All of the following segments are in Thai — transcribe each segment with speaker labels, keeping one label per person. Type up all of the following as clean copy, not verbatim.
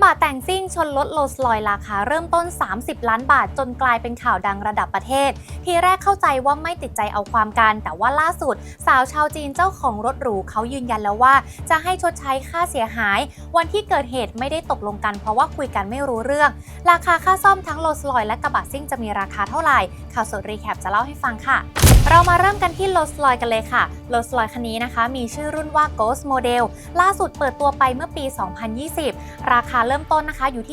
Speaker 1: ระบะแต่งซิ่งชนรถโรลส์รอยซ์ราคาเริ่มต้น30 ล้านบาทจนกลายเป็นข่าวดังระดับประเทศทีแรกเข้าใจว่าไม่ติดใจเอาความกันแต่ว่าล่าสุดสาวชาวจีนเจ้าของรถหรูเขายืนยันแล้วว่าจะให้ชดใช้ค่าเสียหายวันที่เกิดเหตุไม่ได้ตกลงกันเพราะว่าคุยกันไม่รู้เรื่องราคาค่าซ่อมทั้งโรลส์รอยซ์และกระบะซิ่งจะมีราคาเท่าไหร่ข่าวสดรีแคปจะเล่าให้ฟังค่ะเรามาเริ่มกันที่โรลส์รอยซ์กันเลยค่ะโรลส์รอยซ์คันนี้นะคะมีชื่อรุ่นว่า Ghost Model ล่าสุดเปิดตัวไปเมื่อปี 2020 ราคาเริ่มต้นนะคะอยู่ที่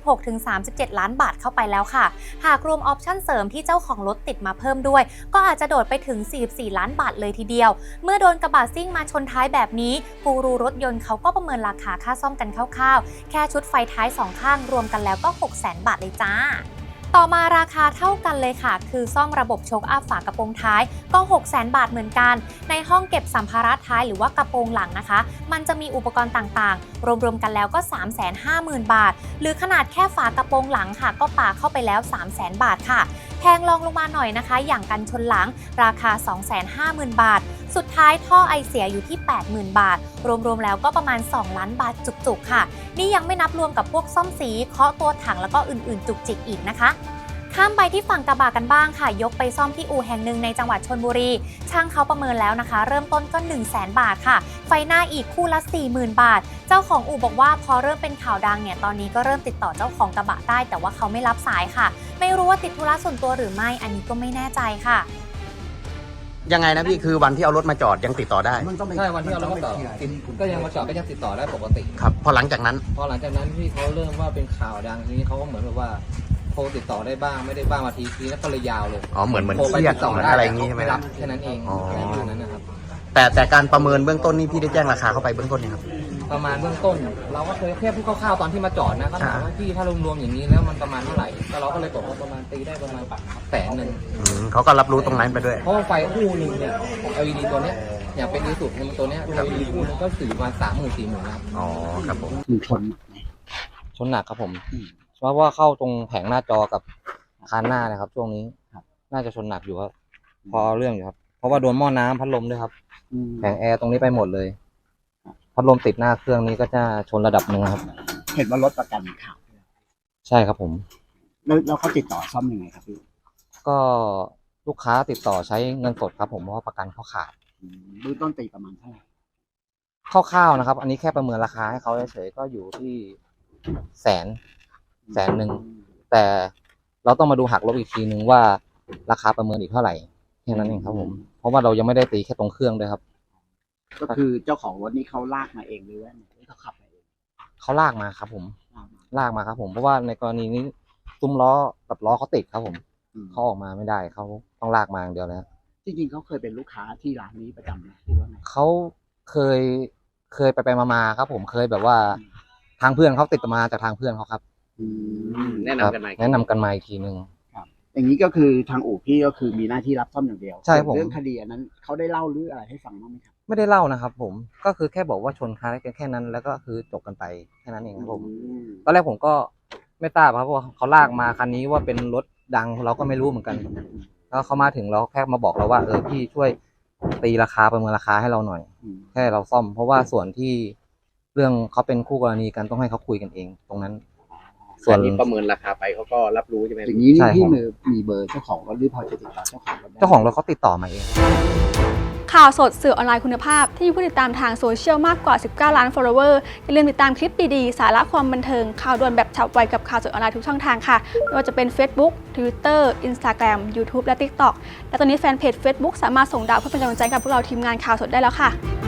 Speaker 1: 36-37 ล้านบาทเข้าไปแล้วค่ะหากรวมออปชั่นเสริมที่เจ้าของรถติดมาเพิ่มด้วยก็อาจจะโดดไปถึง 44 ล้านบาทเลยทีเดียวเมื่อโดนกระบะซิ่งมาชนท้ายแบบนี้กูรูรถยนต์เขาก็ประเมินราคาค่าซ่อมกันคร่าวๆแค่ชุดไฟท้าย2ข้างรวมกันแล้วก็ 600,000 บาทเลยจ้าต่อมาราคาเท่ากันเลยค่ะคือซ่อมระบบโชคอัพฝากระโปรงท้ายก็ 600,000 บาทเหมือนกันในห้องเก็บสัมภาระท้ายหรือว่ากระโปรงหลังนะคะมันจะมีอุปกรณ์ต่างๆรวมๆกันแล้วก็ 350,000 บาทหรือขนาดแค่ฝากระโปรงหลังค่ะก็ปาเข้าไปแล้ว 300,000 บาทค่ะแพงรองลงมาหน่อยนะคะอย่างกันชนหลังราคา 250,000 บาทสุดท้ายท่อไอเสียอยู่ที่ 80,000 บาทรวมๆแล้วก็ประมาณ2 ล้านบาทจุกๆค่ะนี่ยังไม่นับรวมกับพวกซ่อมสีเคาะตัวถังแล้วก็อื่นๆจุกจิกอีกนะคะข้ามไปที่ฝั่งกระบะกันบ้างค่ะยกไปซ่อมที่อู่แห่งหนึ่งในจังหวัดชลบุรีช่างเขาประเมินแล้วนะคะเริ่มต้นก็ 100,000 บาทค่ะไฟหน้าอีกคู่ละ 40,000 บาทเจ้าของอู่บอกว่าพอเริ่มเป็นข่าวดังเนี่ยตอนนี้ก็เริ่มติดต่อเจ้าของกระบะได้แต่ว่าเขาไม่รับสายค่ะไม่รู้ว่าติดธุระส่วนตัวหรือไม่อันนี้ก็ไม่แน่ใจค่ะ
Speaker 2: ยังไงนะพี่คือวันที่เอารถมาจอดยังติดต่อได้
Speaker 3: ใช่วันที่เอารถมาจอดก็ยังมาจอดก็ยังติดต่อได้ปกติ
Speaker 2: ครับพอหลังจากนั้น
Speaker 3: ที่เขาเริ่มว่าเป็นข่าวดังทีนี้เขาก็เหมือนแบบว่าโทรติดต่อได้บ้างไม่ได้บ้างมาทีแล้วก็เลยยาวเลย
Speaker 2: เหมือนเครียดเหมือนอะไรอย่างนี้ใช่ไหมครับ
Speaker 3: แค่นั้นเองอะไรแบบนั้นนะครับ
Speaker 2: แต่การประเมินเบื้องต้นนี่พี่ได้แจ้งราคาเข้าไปเบื้องต้นเนี่ยครับ
Speaker 3: ประมาณเบื้องต้นเราก็เคยแค่พูดคร่าวๆตอนที่มาจอดนะเขาถามว่าพี่ถ้ารวมๆอย่างนี้แล้วมันประมาณเท่าไหร่แล้วเราก็เลยบอกว่าประมาณตีได้ประมาณ100,000
Speaker 2: เขาก็รับรู้ตรงนั้นไปด้วย
Speaker 3: เพราะว่าไฟคู่นึงเนี่ยของ LED ตัวเนี้ยอย่างเป็นดีสุดในตัวเนี้ย LED คู่นึงก็สื่อประมาณ30,000-40,000ครับ
Speaker 2: ครับผม
Speaker 3: ชนหนักครับผมเพราะว่าเข้าตรงแผงหน้าจอกับคานหน้านะครับช่วงนี้น่าจะชนหนักอยู่ครับพอเรื่องอยู่ครับเพราะว่าโดนหม้อน้ำพัดลมด้วยครับแผงแอร์ตรงนี้ไปหมดเลยพัดลมติดหน้าเครื่องนี้ก็จะชนระดับหนึ่งครับ
Speaker 4: เห็นว่ารถประกันขาด
Speaker 3: ใช่ครับผม
Speaker 4: แล้วเขาติดต่อซ่อมยังไงครับพี่
Speaker 3: ก็ลูกค้าติดต่อใช้เงินสดครับผมเพราะว่าประกันเขาขาด
Speaker 4: เบื้องต้นตีประมาณเท่าไหร่
Speaker 3: คร่าวๆนะครับอันนี้แค่ประเมินราคาให้เขาเฉยๆก็อยู่ที่แสนหนึ่งแต่เราต้องมาดูหักลบอีกทีนึงว่าราคาประเมินอีกเท่าไหร่แค่นั้นเองครับผมเพราะว่าเรายังไม่ได้ตีแค่ตรงเครื่องด้วยครับ
Speaker 4: ก็คือเจ้าของรถนี่เขาลากมาเองหรือว่าเขาขับมาเอง
Speaker 3: เขาลากมาครับผมลากมาครับผมเพราะว่าในกรณีนี้ซุ้มล้อกับล้อเขาติดครับผมเขาออกมาไม่ได้เขาต้องลากมาอย่างเดียวแล้ว
Speaker 4: จริงๆเขาเคยเป็นลูกค้าที่ร้านนี้ประจำไหมหรือว่าไง
Speaker 3: เขาเคยไปมาครับผมเคยแบบว่าทางเพื่อนเขาติดมาจากทางเพื่อนเขาครับ
Speaker 4: แนะนำกัน
Speaker 3: มาอีกทีนึง
Speaker 4: ครับอย่างนี้ก็คือทางอู่พี่ก็คือมีหน้าที่รับซ่อมอย่างเดียว
Speaker 3: ใช่ผม
Speaker 4: เรื่องคดีอันนั้นเขาได้เล่าหรืออะไรให้ฟังบ้างไหมครับ
Speaker 3: ไม่ได้เล่านะครับผมก็คือแค่บอกว่าชนคาร์กันแค่นั้นแล้วก็คือจบกันไปแค่นั้นเองครับผมตอนแรกผมก็ไม่ทราบครับว่าเขาลากมาคันนี้ว่าเป็นรถดังเราก็ไม่รู้เหมือนกันแล้วเขามาถึงเราแค่มาบอกเราว่าพี่ช่วยตีราคาประเมินราคาให้เราหน่อยแค่เราซ่อมเพราะว่าส่วนที่เรื่องเขาเป็นคู่กรณีกันต้องให้เขาคุยกันเองตรงนั้น
Speaker 2: ส่วนนี้ประเมินราคาไปเขาก็รับรู้ใช่ไหม
Speaker 4: อย่างนี้พี่มีเบอร์เจ้าของรถหรือพอจะติดต่อเจ้าของรถ
Speaker 3: เขาติดต่อมาเอง
Speaker 5: ข่าวสดสื่อออนไลน์คุณภาพที่มีผู้ติดตามทางโซเชียลมากกว่า19 ล้าน follower อย่าลืมติดตามคลิปดีๆสาระความบันเทิงข่าวด่วนแบบฉับไวกับข่าวสดออนไลน์ทุกช่องทางค่ะไม่ว่าจะเป็น Facebook Twitter Instagram YouTube และ TikTok และตอนนี้แฟนเพจ Facebook สามารถส่งดาวเพื่อเป็นกำลังใจกับพวกเราทีมงานข่าวสดได้แล้วค่ะ